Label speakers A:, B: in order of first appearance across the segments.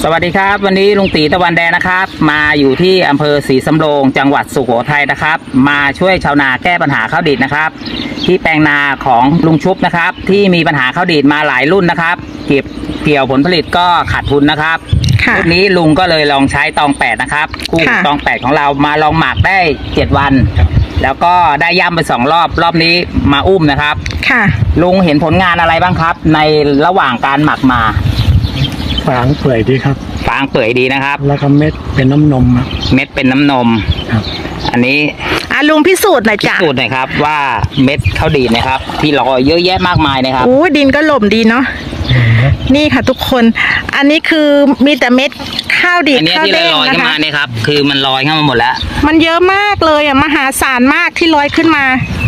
A: สวัสดีครับวันนี้ลุงตีตะวันแดงนะครับมาอยู่ที่อำเภอศรีสำโรงจังหวัดสุโขทัยนะครับมาช่วยชาวนาแก้ปัญหาข้าวดีดนะครับที่แปลงนาของลุงชุบนะครับที่มีปัญหาข้าวดีดมาหลายรุ่นนะครับเก็บเกี่ยวผลผลิตก็ขาดทุนนะครับรุ่นนี้ลุงก็เลยลองใช้ตอง8นะครับคู่ตอง8ของเรามาลองหมักได้7วันแล้วก็ได้ย่ำไป2รอบนี้มาอุ้มนะครับลุงเห็นผลงานอะไรบ้างครับในระหว่างการหมักมา
B: ฟางเปื่อยดีครับ
A: ฟางเปื่อยดีนะครับ
B: แล้วก็เม็ดเป็นน้ำนม
A: เม็ดเป็นน้ำนม
B: ครับ
A: อันนี้
C: ลุงพิสูจน์หน่อยจ้ะ
A: พิสูจน์หน่อยครับว่าเม็ดข้าวดีดนะครับที่ลอยเยอะแยะมากมายนะครับ
C: ดินก็หล่มดีเนาะนี่ค่ะทุกคนอันนี้คือมีแต่เม็ดข้าวดีด
A: ข้าวเด้งนะคะอันนี้ที่ลอยขึ้นมาเนี่ยครับคือมันลอยขึ้นมาหมดแล้ว
C: มันเยอะมากเลยมหาศาลมากที่ลอยขึ้นมา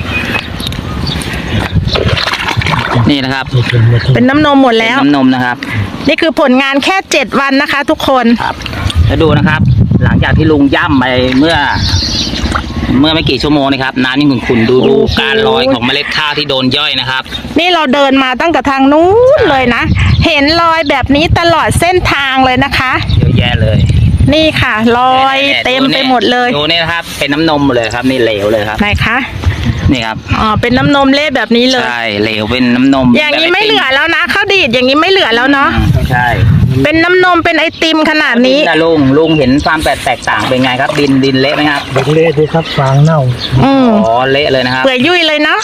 A: นี่นะครับ
C: เป็นน้ำนมหมดแล้ว
A: น้ำนมนะครับ
C: นี่คือผลงานแค่7วันนะคะทุกคน
A: ครับแล้วดูนะครับหลังจากที่ลุงย่ำไปเมื่อไม่กี่ชั่วโมงนะครับน้ำนี่ขุ่นๆดูการลอยของเมล็ดข้าวที่โดนย่อยนะครับ
C: นี่เราเดินมาตั้งแต่ทางนู้นเลยนะเห็นรอยแบบนี้ตลอดเส้นทางเลยนะคะ
A: เยอะแยะเลย
C: นี่ค่ะรอยเต็มไปหมดเลย
A: ดูนี่นะครับเป็นน้ำนมเลยครับนี่เหลวเลยครับ
C: ไหนคะ
A: นี่ครับ
C: เป็นน้ำนมเละแบบนี้เลย
A: ใช่เหลวเป็นน้ำนม
C: อย่างนี้ไม่เหลือแล้วนะข้าวดีดอย่างนี้ไม่เหลือแล้วเนาะ
A: ใช่
C: เป็นน้ำนมเป็นไอติมขนาดนี้
A: นะลุงเห็นความแตกต่างเป็นไงครับดินเละไหมครับ
B: เละดีครับฟางเน่า
A: เละเลยนะครับ
C: เปื่อยยุ่ยเลยเนาะ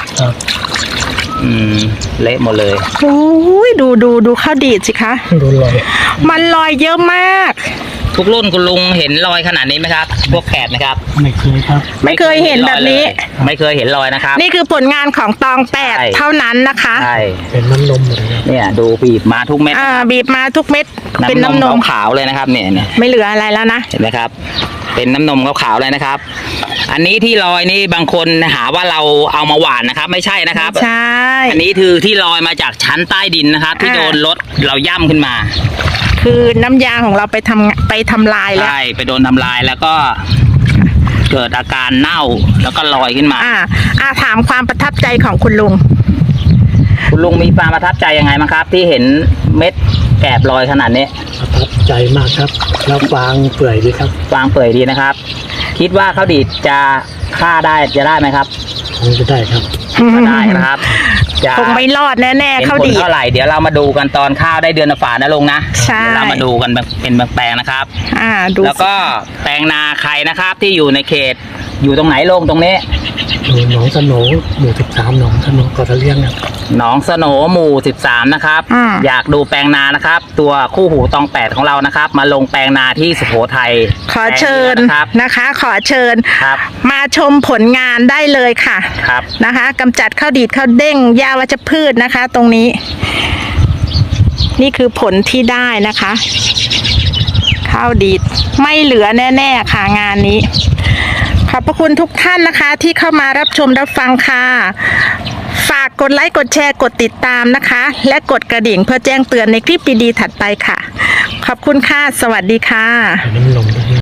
A: เละหมดเลย
C: โอ้ยดูข้าวดีดสิคะ
B: ดูลอย
C: มันลอยเยอะมาก
A: ทุกรุ่นคุณลุงเห็นรอยขนาดนี้ไหมครับพวกแกะนะครับ
B: ไม่เคยครับ
C: ไม่เคยเห็นแบบนี้
A: ไม่เคยเห็นรอยนะครับ
C: นี่คือผลงานของตอง8เท่านั้นนะคะ
A: ใช่
B: เป็นน้ำนมเลย
A: เนี่ยดูบีบมาทุกเม็ด
C: บีบมาทุกเม็ดเป็นน้ำนม
A: ขาวเลยนะครับเนี่ย
C: ไม่เหลืออะไรแล้วนะ
A: เห็นไหมครับเป็นน้ำนมขาวเลยนะครับอันนี้ที่ลอยนี่บางคนหาว่าเราเอามาหว่านนะครับไม่ใช่นะครับ
C: ใช่
A: อันนี้คือที่ลอยมาจากชั้นใต้ดินนะครับที่โดนรถเราย่ำขึ้นมา
C: คือน้ำยาของเราไปทำลายแล้ว
A: ใช่ไปโดนทำลายแล้วก็เกิดอาการเน่าแล้วก็ลอยขึ้นมา
C: ถามความประทับใจของคุณลุง
A: มีความประทับใจยังไงบ้างครับที่เห็นเม็ดแกบลอยขนาดนี้
B: ประทับใจมากครับแล้วฟางเปื่อยดีครับ
A: ฟางเปื่อยดีนะครับคิดว่าข้าวดีดจะฆ่าได้จะได้ไหมครับ
B: คงจะได้ครับ
A: ได้นะครับ
C: คงไม่รอดแน่ๆข้าวดีด
A: เท่าไหร่เดี๋ยวเรามาดูกันตอนข้าวได้เดือนฝานะลุงนะ
C: ใช่
A: เรามาดูกันเป็นแปลงนะครับแล้วก็แปลงนาใครนะครับที่อยู่ในเขตอยู่ตรงไหนลงตรงนี้
B: หนองสโหนหมู่13หนองสโหนกอทะเลียงครับ
A: หนองสโหนหมู่13นะครับอยากดูแปลงนานะครับตัวคู่หูตอง8ของเรานะครับมาลงแปลงนาที่สุโขทัย
C: ขอเชิญนะคะขอเชิญมาชมผลงานได้เลยค่ะนะคะกำจัดข้าวดีดข้าวเด้งหญ้าวัชพืชนะคะตรงนี้นี่คือผลที่ได้นะคะข้าวดีดไม่เหลือแน่ๆค่ะงานนี้ขอบพระคุณทุกท่านนะคะที่เข้ามารับชมรับฟังค่ะฝากกดไลค์กดแชร์กดติดตามนะคะและกดกระดิ่งเพื่อแจ้งเตือนในคลิปดีๆถัดไปค่ะขอบคุณค่ะสวัสดีค่ะ